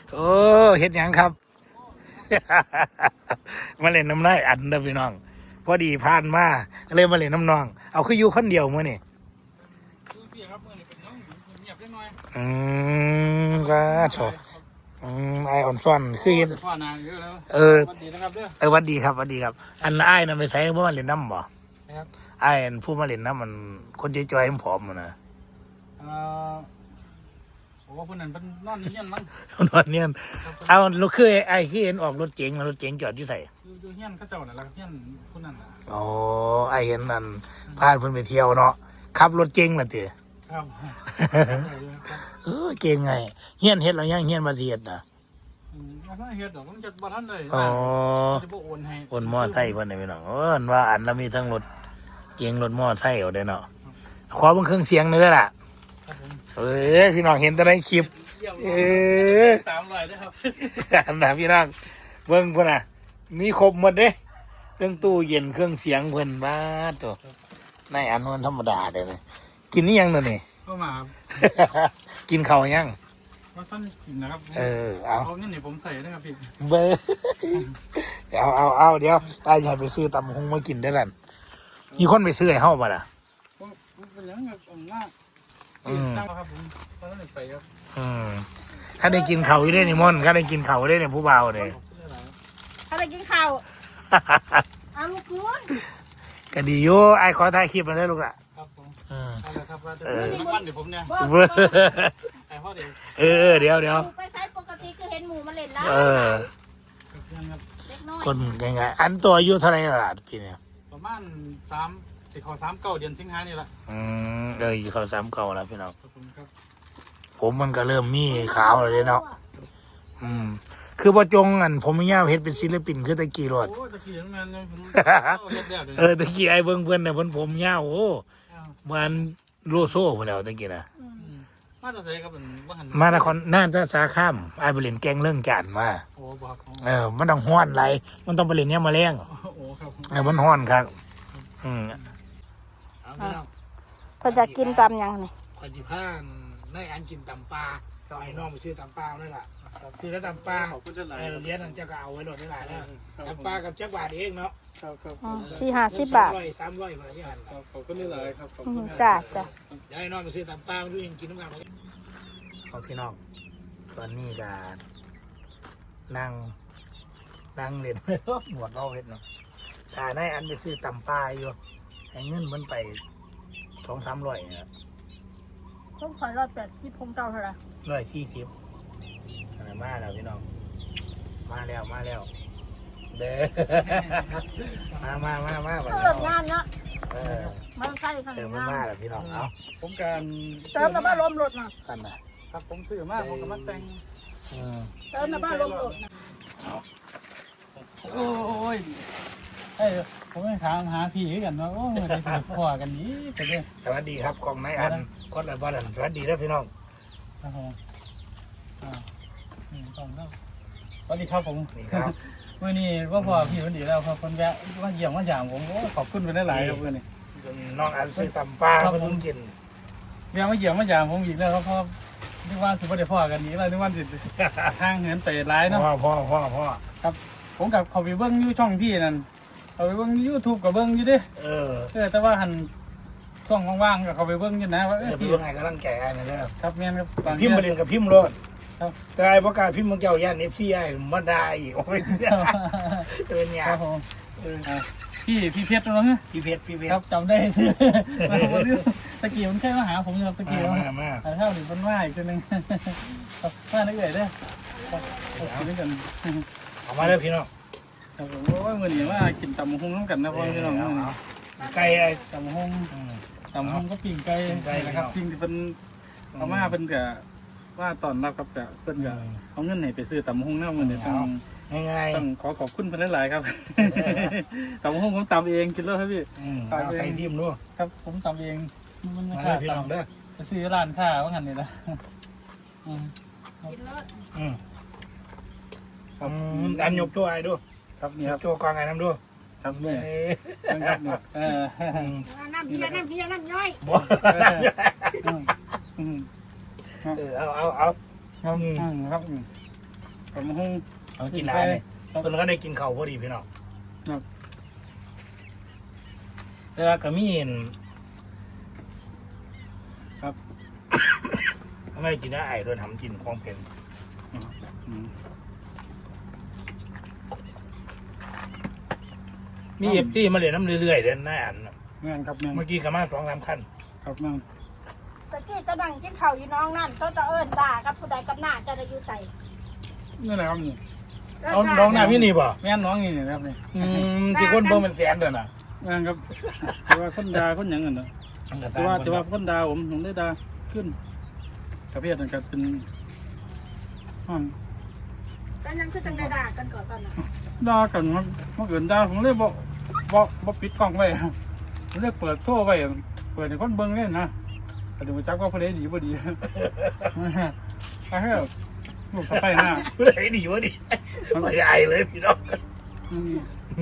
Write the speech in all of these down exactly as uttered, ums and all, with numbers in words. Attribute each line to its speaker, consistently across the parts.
Speaker 1: โอ้เฮ็ดหยังครับ มาเล่นน้ำได้อันเด้อพี่น้องพอดีผ่านมาเลยมาเล่นน้ำน้องเอาคืออยู่คนเดียวมื้อนี่อืมก็โถอืมไอออนซ่อนคือเห็นเออเออวัดดีครับวัดดีครับ อันไอ้น่ะไปใช้เมื่อมาเล่นน้ำบ่ไอ้อันผู้มาเล่นน้ำมันคนจอยๆผอมๆนะ
Speaker 2: ผมว่าคนนั้นเป็นนอนเงี้ยนมั้ง
Speaker 1: นอนเนี่ยเอารถคือไอ้คือเห็นออกรถเก๋งรถเก๋งจอดอยู่ใส่
Speaker 2: อยู่เงี้ยนเขาเจ้าน่ะแล้วเงี้ยนคนนั้น
Speaker 1: อ๋อไอ้เห็นนั่นพาเพิ่นไปเที่ยวเนาะขับรถเก๋งล่ะติ
Speaker 2: ครับ
Speaker 1: เออเก่งไงเฮียนเฮ็ดแล้วยังเฮียนมาสิเฮ็ดน่ะ
Speaker 2: อืมบ่ทันเฮ็ดดอกมันจะบ่ทันเลย
Speaker 1: อ๋อ
Speaker 2: จะบ่โอนให้
Speaker 1: โอนมอไซค์เพิ่นได้พี่น้องเออว่าอันละมีทั้งรถเก๋งรถมอไซค์เอาได้เนาะขอเบิ่งเครื่องเสียงหน่อยเด้อล่ะเออพี่น้องเห็นแต่ในคลิปเออ
Speaker 2: สามร้อยเด้อครับ
Speaker 1: อันน่ะพี่น้องเบิ่งพุ่นน่ะมีครบหมดเด้ตั้งตู้เย็นเครื่องเสียงเพิ่นบาดโตในอันนั้นธรรมดาเด้อกินนี่ยังเด้อนี่
Speaker 2: เข้ามา
Speaker 1: กินข้าวยัง
Speaker 2: ว่าท่านกินนะครับ
Speaker 1: เออเอา
Speaker 2: เอาเงินนี่ผมใส่นะครับพี่
Speaker 1: เบอร์เอาเอาเอาเดี๋ยวตายอยากไปซื้อตำหงมากินได้แล้วมีคนไปซื้อให้เฮาบ่ล่ะ
Speaker 2: เป็นยังไงผมว่า
Speaker 1: อืม
Speaker 2: ครับผมตอนนั้นไปครับ
Speaker 1: อืมถ้าได้กินข้าวอยู่ได้นี่ม่อนถ้าได้กินข้าวได้เนี่ยผู้บ่าวเลย
Speaker 3: ถ้าได้กินข้าวเอาลูกคุณ
Speaker 1: ก็ดีอยู่ไอ้ขอถ่ายคลิปมาได้ลูกอ่ะ
Speaker 2: เออครับว่าจะเป็นวันเดี๋ยวผมเนี่ยไอ้พ่อเดี๋ยว
Speaker 1: เออเดี๋ยวเดี๋ยว
Speaker 3: ไปใช้ปกติคือเห็นหมูมาเล่นแล้ว
Speaker 1: เออคนยังไงอันตัวอายุเท่าไหร่ล่ะพี่เนี่ย
Speaker 2: ประมาณสามสิขอสามเก้าเดือนสิงหานี่แหละ
Speaker 1: อืมเออเขาสามเก้าแล้วพี่น้องผมมันก็เริ่มมีขาวเลยเนาะอืมคือบ่จงอันผมไม่ยาวเฮ็ดเป็นศิลปินคือตะกี้รถ
Speaker 2: โอ้ตะกี้นั่นมัน
Speaker 1: เออตะกี้ไอ้เบิ่งเพิ่นน่ะเพิ่นผมยาวโอ้มันโลโซ่พุ่นแล้วตะกี้น่ะ
Speaker 2: มาตะไสครับเป็นบ่หัน
Speaker 1: มานครน่าจะสาข้ามไอ้ไปเล่นแกงเรื่องจานมา
Speaker 2: โอ้บ่ครับ
Speaker 1: เออมันต้องฮ้อนไหลมันต้องไปเล่นเนี่ยมาแรง
Speaker 2: โอ้ครับ
Speaker 1: เออมันฮ้อนครับอืมเอาพี่น้อง
Speaker 3: เพิ่นจะกินตำยังนี่
Speaker 1: ข่อยสิพาได้อันกินตำปลาก็ให้น้องไปซื้อตำปลานั่นล่ะซื้อแล้วตำปลาเออเลี้ยงนั่นจะก็เอาไว้โดดได้หลายแล้วตำปลากับจักบาทเองเนาะ
Speaker 2: ครับครับ
Speaker 3: สี่ห้าสิบบาท
Speaker 1: สามร้อยบาทที่หัน
Speaker 2: ครับขอบคุณหลายครับขอบคุณ
Speaker 3: จ้าจ้า
Speaker 1: เดี๋ยวให้น้องไปซื้อตำปลามาดูยังกินน้ำกันเอาพี่น้องตอนนี้ก็นั่งนั่งเล่นหมวดเอาเล่นเนาะถ้าได้อันไปซื้อตำปลาอยู่ให้เงินมันไปสองสามร้อยนะ
Speaker 3: ผมขอร้อยแปดสิบผมเก่าเท่าไหร่
Speaker 1: ร้อยที่ทิพย์อะไรมาแล้วพี่น้องมาแล้วมาแล้วเด้อมามามามา
Speaker 3: เติมงานเนาะ
Speaker 1: เออ
Speaker 3: มาใส่ขัน
Speaker 1: เติม
Speaker 3: งาน
Speaker 1: มาแล้วพี่น้องเอา
Speaker 2: ผมการ
Speaker 3: เติมน้ำบ้าลมรถมา
Speaker 1: กันนะครับ
Speaker 2: ผมซื้อมากผมก็มาแต่ง
Speaker 3: เติมน้ำบ้าลมรถนะ
Speaker 2: โอ้ยเฮ้ยผมยังถามหาพี่กันว่าโอ้ยได้ถูกพ่อกันนี้แต่เนี่ย
Speaker 1: สวัสดีครับกองนายอันคนละบ้านสวัสดีแล้วพี่น้อง
Speaker 2: ครับผมอ่าสองครับสวัสดีครับผม
Speaker 1: นี่ครับ
Speaker 2: เมื่อนี้ว่าพ่อพี่วันดีแล้วครับคนแวะว่าเยี่ยมว่าอย่างผมขอบคุณไปได้หลายครับเมื่อนี้
Speaker 1: น้องอันซื้อตำปลาเพิ่งกิน
Speaker 2: แวะมาเยี่ยมว่าอย่างผมอีกแล้วครับพ่อนึกว่าสุภาพได้พ่อกันนี้แล้วนึกว่าสิทางเหินเตะร้ายเนาะ
Speaker 1: พ่อพ่อพ่อพ่อ
Speaker 2: ครับผมกับเขาไปเบิ้งยูช่องพี่นั่นเขาไปเบิ้งยูทูบกับเบิ้งอยู่ดิ
Speaker 1: เออ
Speaker 2: เออแต่ว่าหันช่วงว่างๆกับเขาไปเบิ้งอยู่นะว่าเออ
Speaker 1: พี่ยังไงก็ต้องแก่นะเด้อ
Speaker 2: ครับเงี้ยครับ
Speaker 1: พิมพ์มาเรียนกับพิมพ์รถแต่ไอ้ประกาศพิมพ์มึงเจ้าย่านเอฟซีไอ้มาได้อีกโอ้ยเป็นไง
Speaker 2: พี่พี่เพชรเหรอฮะ
Speaker 1: พี่เพชรพี่เพชร
Speaker 2: ครับจำได้ชื่อตะกี้มันแค่มาหาผมครับตะกี้
Speaker 1: มามา
Speaker 2: แต่เท่าหนึ่งมันว่าอีกตัวนึงว่านึกเลยเด้อกินด้วยกัน
Speaker 1: เอามาเลยพี่น้อง
Speaker 2: ครับผมว่าเมื่อนี้ว่ากินตำมะฮุ่งน้ำกันนะพ่อพี่น้อง
Speaker 1: ไก่ไอ้
Speaker 2: ตำมะฮุ่งตำมะฮุ่งก็ปิ้งไก่นะครับจริงที่เป็นเอามาเป็นกับว่าตอนรับกับกับเป็นกับเอาเงินไหนไปซื้อตำมะฮุ่งน้ำเงินเนี่ยต้อง
Speaker 1: ง่าย
Speaker 2: ๆต้องขอขอบคุณเพื่อนหลายครับตำมะฮุ่งผมตำเองกินแล้วครับพี่
Speaker 1: ใส่ทิมด้วย
Speaker 2: ครับผมตำเอง
Speaker 1: มันไม่ขาดตำเด้อ
Speaker 2: ไปซื้อร้านค้าว่างั้นนี่นะ
Speaker 3: กินรถ
Speaker 1: อืมอันยกตัวไอ้ดู
Speaker 2: ครับนี่ครับ
Speaker 1: ตัวกองไอ้น้ำดู
Speaker 2: ครับนี่ครับเนี่ยเออ
Speaker 3: น้ำเพียน้ำเพียน้ำย่อย
Speaker 1: บ่เออเอาเอาเอา
Speaker 2: ครับครับตำหุ้ง
Speaker 1: เอากินหลายเลยเพิ่นก็ได้กินข้าวพอดีพี่น้อง
Speaker 2: ครับ
Speaker 1: แต่ว่าก็มีเห็น
Speaker 2: ครับ
Speaker 1: ไม่ได้กินได้ไอ้ด้วยทำกินของเผ็ด
Speaker 2: อืม
Speaker 1: มีเอฟซีมาเรียนน้ำเรื่อยๆเดินหน้าอันน่ะ
Speaker 2: แม่นครับแม่น
Speaker 1: เมื่อกี้ก็มาสองสามคัน
Speaker 2: ครับแม่น
Speaker 3: ตะกี้จะนั่งกินข้าวอยู่น้องนั่นเขาจะเอิ้นด่ากับผู้ใดกับหน้าจะได้อยู่ใส่
Speaker 2: นี่แหละครับนี่
Speaker 1: เอาน้องหน้าพี่นี่บ่
Speaker 2: แม่นน้องนี่นะครับนี่
Speaker 1: อืมที่คนเบิ่งมันแสนเด้อน่ะ
Speaker 2: แม่นครับแต่ว่าคนดาคนหยังกันเนาะแต่ว่าแต่ว่าคนดาผมผมได้ดาขึ้นกระเพียดนั่นก็เป็นห้อง
Speaker 3: ตอนนั้นคือจังได้ด่ากันก่อนตอนนั้น
Speaker 2: ด่ากันมันมันเกินด่าผมเลยบอกบอกบอกปิดกล้องไว้ผมเลยเปิดโทรไว้เปิดให้คนเบิ่งเล่นนะแต่ดูจักว่าผู้ใดดีบ่ดีไอ้เฮ้ยลูกสะใภ้หน้า
Speaker 1: ผู้ใดดีวะดิไม่ไอเลยพี่น้อง
Speaker 2: อืม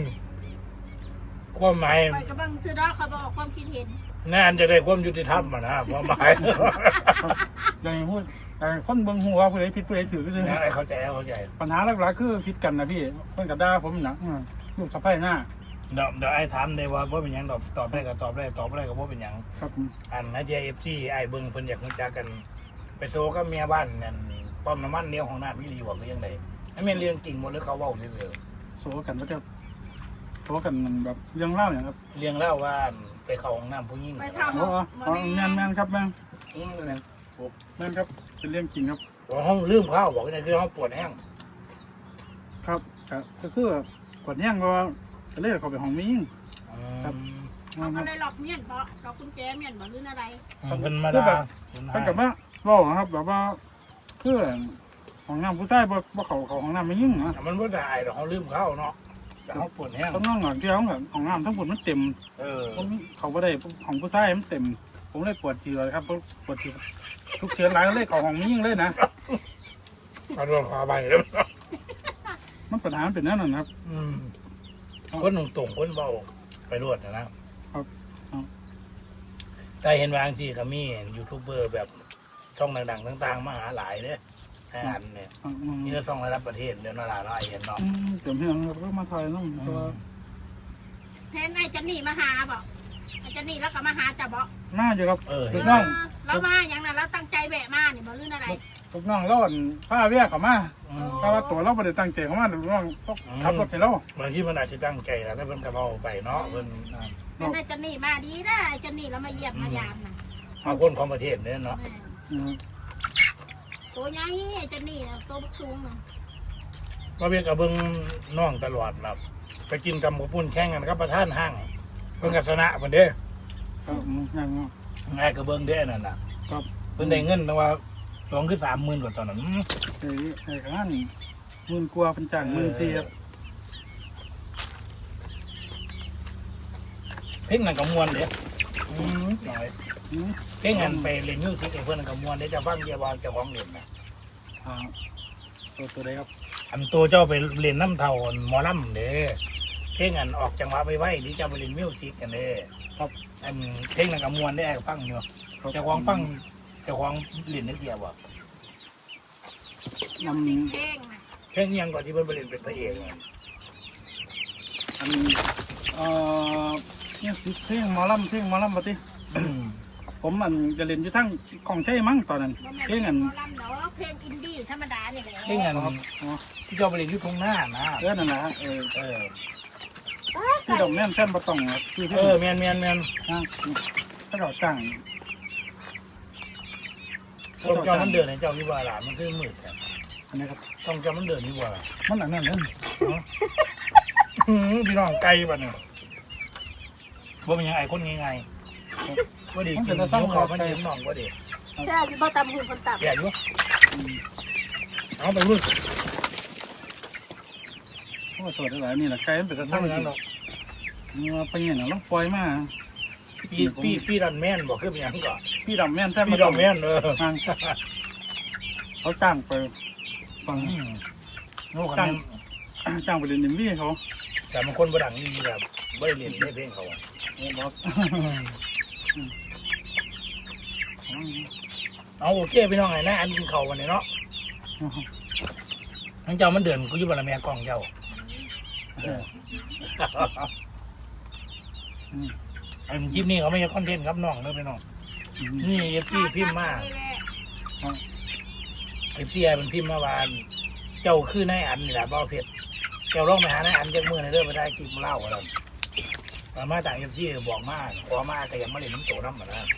Speaker 1: ความหมาย
Speaker 3: ไปกำลังซื้อดอกเขาบอกความคิดเห็น
Speaker 1: งานจะได้ความยุติธรรมอ่ะนะความหมาย
Speaker 2: อย่างนี้พูดแต่คนเบิ่งหัวผู้ใดผิดผู้ใดถือก็คือ
Speaker 1: อะไรเข้าใจเข้าใจ
Speaker 2: ปัญหาหลักๆคือผิดกันนะพี่เพิ่นกับด่าผมนะอืมลูกสะใภ้หน้า
Speaker 1: เดี๋ยวเดี๋ยวไอ้ถามได้ว่าว่าเป็นหยังดอกตอบได้ก็ตอบได้ตอบได้ก็ว่าเป็นหยัง
Speaker 2: ครับ
Speaker 1: อันนะเจเอฟซีไอ้เบิ้งเพิ่นอยากรู้จักกัน ไปโซก็เมียบ้านนั่นป้อมน้ำมันเลี้ยวของน้าพี่ดีบอกหรือยังไงไอ้เมียเลี้ยงกิ่งหมดหรือเขาเว้าเรื่อย
Speaker 2: โซกันว่าจะโซกันแบบเรื่องเล่าอย่างครับ
Speaker 1: ๆเลี้ยงเล่าว่าไปเข้าห้องน้ำผู้หญิง
Speaker 3: ไป
Speaker 1: ครั
Speaker 3: ทำ
Speaker 2: โอ้โหแม่นแม่นครับแม่น
Speaker 1: อืมนั่น
Speaker 2: แม่นครับเป็นเรื่องจริงครับ
Speaker 1: บอกห้องลืมข้าวบอกว่าคือห้องปวดแห้ง
Speaker 2: ครับครับก็คือกดแย่งก็ก็เลยเขาไปห้องมียิง ครับ
Speaker 3: เขาก็เลยหลอกเมียนเพราะหลอกกุญแจเมียนบ่หรืออะไร
Speaker 1: อืมเป็นมา
Speaker 2: คือ
Speaker 1: ดา
Speaker 2: แบบเพิ่นกับว่าเล่านะครับแบบว่าคือห้องน้ำผู้ชายบ่บ่เขาเขาห้องน้ำไม่ยิ่งนะ
Speaker 1: มันว่าได้หรอกเขาลืมข้าวเนาะแต่เขาปวดแห้ง
Speaker 2: ต้องนั่งหลังที่ห้องแบบห้องน้ำทั้งหมดมันเต็ม
Speaker 1: เออ
Speaker 2: ผมเขาบ่ได้ของผู้ชายมันเต็ม ผมเลยปวดทีเลยครับปวดทีทุกเชื้อร้ายเลยเขาห้องไม่ยิ่งเลยนะ
Speaker 1: เอาโดนคาใบแล้ว
Speaker 2: มันปัญหามันเป็นนั่นนะครับ
Speaker 1: อืมคนตรงๆคนเบาไปรวดนะครับ
Speaker 2: ครับครับ
Speaker 1: แต่เห็นบางทีก็มียูทูบเบอร์แบบช่องดังๆต่างๆมาหาหลายเนี่ยอันเนี่ย
Speaker 2: อืมอืม
Speaker 1: นี่ก็ช่องระดับประเทศเดี๋ยวนาราไล่เห็นเนาะ
Speaker 2: อืมเดี๋ยวเพียงเราก็มาถ่ายน้องตัว
Speaker 3: เพนไอ้จันนี่มาหาบอกไอ้จันนี่แล้วก็มาหาจะบอก
Speaker 2: น่าจะครับ
Speaker 1: เออ
Speaker 2: ถู
Speaker 1: เห็น
Speaker 2: กต้อง
Speaker 3: เรามาอย่างนั้นเราตั้งใจแบะมานี่บ่หรืออะไร
Speaker 2: ลูกน้องเล่าอันผ้าเวียเขามา
Speaker 1: อืม
Speaker 2: ถ้าว่าตัวเราไม่ได้ตั้งใจเขามาลูกน้องต้องขับรถให้เรา
Speaker 1: บางทีมันอาจจะตั้งใจแล้วถ้าเพิ่นกระเป๋าไปเนาะเพิ่นอ่า
Speaker 3: เป็นไอ้จันนี่มาดีนะไอ้จันนี่เรามาเยี่ยมมายามนะ
Speaker 1: เอาคนของประเทศเนี่ยเนาะ
Speaker 3: แม่
Speaker 2: อืม
Speaker 3: ตัวใหญ่ไอ้จันนี่นะตัวบักสูงน่ะ
Speaker 1: มาเป็นกับเบิ้งน้องตลอดแบบไปกินกับหมูปุ้นแข่งกันกับประธานห้างเพิ่นกัชนะเพิ่นเด้
Speaker 2: ครับอืมอย่างนั้น
Speaker 1: ง่ายกับเบิ้งเด้นั่นน่ะ
Speaker 2: ครับ
Speaker 1: เพิ่นได้เงินตั้งว่าสองคือสามหมื่นกว่าตอนนั้น
Speaker 2: ไอ้ไอ้ข้างนั้นหมื่นกว่าเป็นจ่างหมื่นสี่ครับ
Speaker 1: เพลงนั้นก็ม่วนเด้อืมหน่อย
Speaker 2: อืม
Speaker 1: เพลงนั้นไปเล่นมิวสิกให้เพิ่นก็ม่วนเด้จะฟังเดียวว่าเจ้าของเล่นน่ะ
Speaker 2: อ่าตัวตัวใดครับ
Speaker 1: อันตัวเจ้าไปเล่นน้ำเท่าหมอลำเด้เพลงอันออกจังหวะไว้ๆที่เจ้าไปเล่นมิวสิกกันเด้
Speaker 2: ครับ
Speaker 1: อันเพลงนั้นก็ม่วนได้ฟังอยู่เจ้าของฟังเจ้าของเล่นได้เดียวบ่
Speaker 3: มิวสิกเพลงนะ
Speaker 1: เพลงยังก่อนที่เพิ่นไปเล่นเป็นพระเอกเนี่ย
Speaker 2: อันเอ่อเนี่ยเพลงหมอลำเพลงหมอลำปฏิ
Speaker 1: อืม
Speaker 2: ผมมันจะเล่นอยู่ทั้งของใช่มั้งตอนนั้น
Speaker 3: บ่แม่น
Speaker 2: เพ
Speaker 3: เพ
Speaker 2: ล
Speaker 3: ล
Speaker 2: ง
Speaker 3: ง
Speaker 2: อัน
Speaker 3: หมอลำเนาะเพลงอินดี้ธรรมดาเนี่ยแหละ
Speaker 1: เพลงอัน
Speaker 2: ครับอ๋อ
Speaker 1: ที่เจ้าไปเล่นอยู่ตรงหน้านะ
Speaker 2: เออนั่นแหละฮะเออ
Speaker 1: เออ
Speaker 2: ที่ดอกแม่นแท่นประตองครับคือ
Speaker 1: เออแมนแมนแมน
Speaker 2: ถ้าเราจ้าง
Speaker 1: ต้องเจ้ามันเดินให้เจ้าวิวาหลานมันคือมืดครับ
Speaker 2: อันนี้ครับ
Speaker 1: ต้องเจ้ามันเดินวิวา
Speaker 2: มันอันนั้นนั่น
Speaker 1: อืมพี่น้องไกลป่ะเนี่ยว่ามันยังไอ้คนง่ายๆว่าดีกินนิ้วเขามันเห็นน้องว่าดี
Speaker 3: ใช่อยู่บ่ตำหุ่นคนต่ำ
Speaker 1: แย่อยู่เอาไปรุ่น
Speaker 2: โอ้สวัสดีหลายนี่แหละไกลมันเป็นสถาน
Speaker 1: ทำอย่างนั้น
Speaker 2: ที่
Speaker 1: หรอก
Speaker 2: มาไปเนี่ยนะต้องปล่อยมา
Speaker 1: พี่พี่พี่ดันแม่นบอกคือเป็นอย่างก่อน
Speaker 2: พี่ดำแม่นแท่น
Speaker 1: พี่ดันแม่นเออ
Speaker 2: ทางเขาจ้างไปฟัง
Speaker 1: อืมโน้กัน
Speaker 2: จ้างไปเรียนยิมวี่เขา
Speaker 1: แต่บางคนบ่ดังนี่แบบไม่ได้เรียนได้เพลงเขา
Speaker 2: เออบอก
Speaker 1: เอาโอเคพี่น้องไงนะอันกินเขาวันนี้เนาะทั้งเจ้ามันเดินกูอยู่บนแม่กล้องเจ้าไอ้คลิปนี้เขาไม่ใช่คอนเทนต์ครับน้องเลยไปน้องนี่เอฟซีพิมพ์มาเอฟซีไอ้มันพิมพ์มาวานเจ้าคือนายอันนี่แหละเบ้าเพชรเจ้าลองไปหานายอันจากมือในเรื่องไปได้คลิปมาเล่าอะไรมาจากเอฟซีบอกมาขอมาแต่ยังไม่เล่นน้ำโตน้ำเหมือนกัน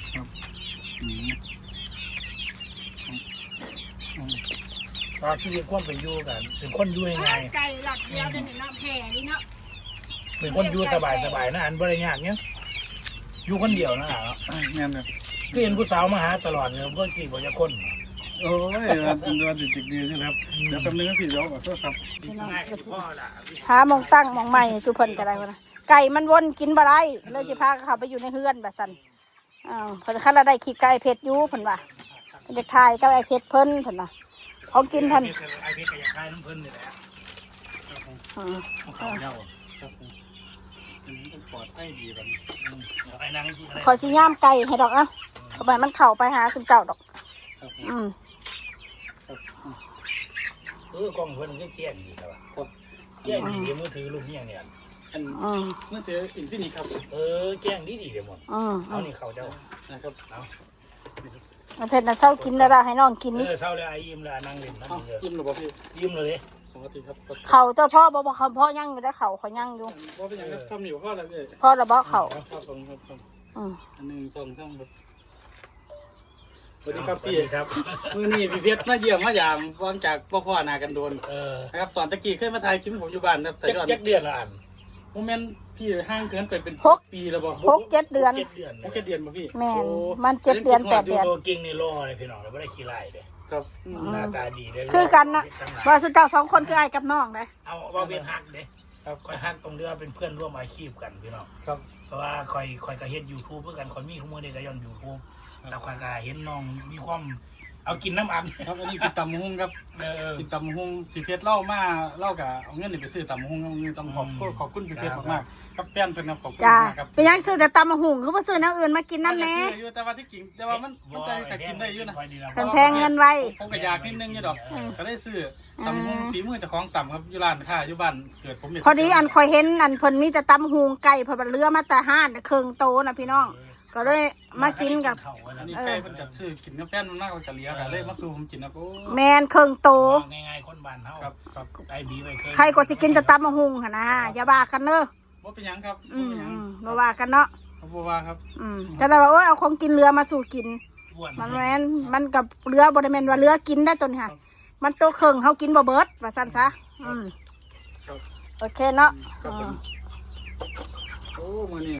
Speaker 1: ตอนที่เรียกว่าไปอยู่กันเป็นคนอยู่ยังไง
Speaker 3: ไก่หลักเดียวเดี๋ยวนี้เนาะแผ่นี่เนาะ
Speaker 1: เป็นคนอยู่สบายสบายนะอันบริยากเนี้ยอยู่คนเดียวนะเนาะ
Speaker 2: เงี้ยเนี่ย
Speaker 1: ก็เห็นผู้สาวมาหาตลอดเลยก็กี่บ่จะคน
Speaker 2: โอ้ยมันมันติดดีใช่ไหมครับเดี๋ยวแป๊บนึงก็พี่เดี๋ยวขอโทษครับ
Speaker 1: พ่อละ
Speaker 3: หามองตั้งมองใหม่ทุกเพิ่นก็ได้วะนะไก่มันวนกินบ่ได้เลยสิพาเขาไปอยู่ในเฮือนแบบซั่นอ้าวเพิ่นคันละได้ขี้ไก่เผ็ดอยู่เพิ่นว่าเพิ่นจะทายกับไอ้เผ็ดเพิ่นเพิ่นน่ะของกินเพิ่น
Speaker 1: ไอเพชรก็อยากได้น้ำเพิ่นนี่แหละ
Speaker 3: อือ
Speaker 1: เขาเจ้า
Speaker 2: ครับผมอันนี้ต้องปลอดภัยดีแบบนี้
Speaker 1: ไอ้นาง
Speaker 3: ขอสิย่ามไก่ให้ดอกอ่ะเข้าไปมันเข้าไปหาถึงเก่าดอก
Speaker 2: ครับผม
Speaker 3: อืม
Speaker 2: ครับ
Speaker 1: เออกล้องเพิ่นก็เกี้ยนดีครับเกี้ยนดีเดี๋ยวมือถือลูกเนี่ยเนี่ย
Speaker 2: อัน
Speaker 3: อืม
Speaker 2: เมื่อเจออินฟินิตครับ
Speaker 1: เออเกี้ยนดีดีเดี๋ยวหมด
Speaker 3: อืม
Speaker 1: เอานี่เขาเจ้า
Speaker 2: นะครับ
Speaker 1: เอา
Speaker 3: มันเผ็ดน่ะเช้ากินแล้วล่ะให้น้องกิน
Speaker 1: เออเท่าเลยไอ้ยิ้มเลยนางเล่นนั่น
Speaker 2: เอ้า
Speaker 1: เลย
Speaker 2: ยิ้มหรือเปล่าพี่
Speaker 1: ยิ้มเลย
Speaker 2: ปกติครับ
Speaker 3: เขาเจ้าพ่อบ่บ่เขาพ่อยังอยู่ได้เขาเขายังอยู่
Speaker 2: ว่าเป็นอย่างนั้นซ้ำอยู่ข้ออะไรพี่
Speaker 3: พ่อระบ่เขา
Speaker 2: ครับผมครับครับ
Speaker 3: อืม
Speaker 2: อันหนึ่งสองสามครับสวัสดีครับพี่
Speaker 1: ครับ
Speaker 2: มือนี่พี่เพชรมาเยี่ยมมายามวางจากพ่อพ่อนากันโดน
Speaker 1: เออ
Speaker 2: นะครับตอนตะกี้เคยมาถ่ายคลิปผมอยู่บ้านนะครับแต่
Speaker 1: จัก
Speaker 2: ก่อน
Speaker 1: จักเดือนละอัน
Speaker 2: โมเมนต์พี่ห้างเกินไปเป็นปีแล้วบอก
Speaker 3: หกเจ็ดเดือน
Speaker 1: เจ็ดเดือน
Speaker 2: โอเคเดือนป่ะพี่
Speaker 3: แม่นมันเจ็ดเดือนแปดเดือน
Speaker 1: ตัวเก่งในรอเลยพี่น้องเราไม่ได้ขี้ไล่เลย
Speaker 2: ครับ
Speaker 1: หน้าตาดีเลย
Speaker 3: คือกันนะว่าสุดเจ้าสองคนคือไอ้กับน้องเลย
Speaker 1: เอาว่าเป็นฮักเด้ครับคอยฮักตรงที่ว่าเป็นเพื่อนร่วมอาชีพกันพี่น้อง
Speaker 2: ครับ
Speaker 1: เพราะว่าคอยคอยก็เฮ็ดยูทูบเพื่อกันคอยมีข้อมูลในการย้อนยูทูบแล้วคอยก็เห็นน้องมีความเอากินน้ำอัน
Speaker 2: ครับอันนี้กินตำมะฮุ่งครับ
Speaker 1: เออ
Speaker 2: กินตำมะฮุ่งพี่เพชรเล่ามาเล่ากับเอาเงินนี่ไปซื้อตำมะฮุ่งเอาเงินต้องขอบคุณขอบคุณพี่เพชรมากๆครับแฟนเป็นครับขอบคุณ
Speaker 3: จ้าม
Speaker 2: ากครับ
Speaker 3: ไปยังซื้อแต่ตำมะหุงคือบ่ซื้อแนวอื่นมากินน้ำแหน่
Speaker 2: ซื้ออยู่แต่ว่าที่กินแต่ว่ามันมันใจกักินได้อยู่นะ
Speaker 3: เพิ่นแพงเงินไว้
Speaker 2: ผมก็อยากนิดนึงอยู่ดอกก็ได้ซื้อตำมะฮุ่งฝีมือเจ้าของต่ำครับอยู่ร้านค้าอยู่บ้านเกิดผมเห็น
Speaker 3: พอดีอันคอยเห็นอันเพิ่นมีแต่ตำหุงไก่เพิ่นเรือมาแต่ห้านเครื่องโตนะพี่น้องก็เลยมากินกับ
Speaker 2: อันนี้ใกล้เพิ่นกับซื้อกินกับแฟนมันมากกว่าจะเลี้ยกันเลยมาสู่ผมกินนะโอ้
Speaker 3: แมนเครื่องโต
Speaker 1: ง่ายๆคนบ้านเฮา
Speaker 2: ครับครับ
Speaker 1: ไอ้บีไปเคย
Speaker 3: ใครก็สิกินแต่ตำมะหุงหั่นนะอย่าว่ากันเด้อ
Speaker 2: ว่าเป็นหยังครับ
Speaker 3: อื
Speaker 2: บ่
Speaker 3: ม
Speaker 2: เป็นหยัง
Speaker 3: อืมบ่ว่ากันเนาะ
Speaker 2: เขาบอกว่าครับ
Speaker 3: อืมจะได้ว่าโอ้ยเอาของกินเรือมาสู่กิน
Speaker 1: อ้วน
Speaker 3: มันแม่นมันกับเรือบ่ได้แม่นว่าเรือกินได้ตัวนี้ค่ะมันตัวเครื่องเฮากินบ่เบิดว่าซั่นซะอืม
Speaker 2: ครับ
Speaker 3: โอเคเนาะ
Speaker 2: ครับ
Speaker 3: อื
Speaker 2: ผม
Speaker 3: ม
Speaker 2: โอ้มื้อนี้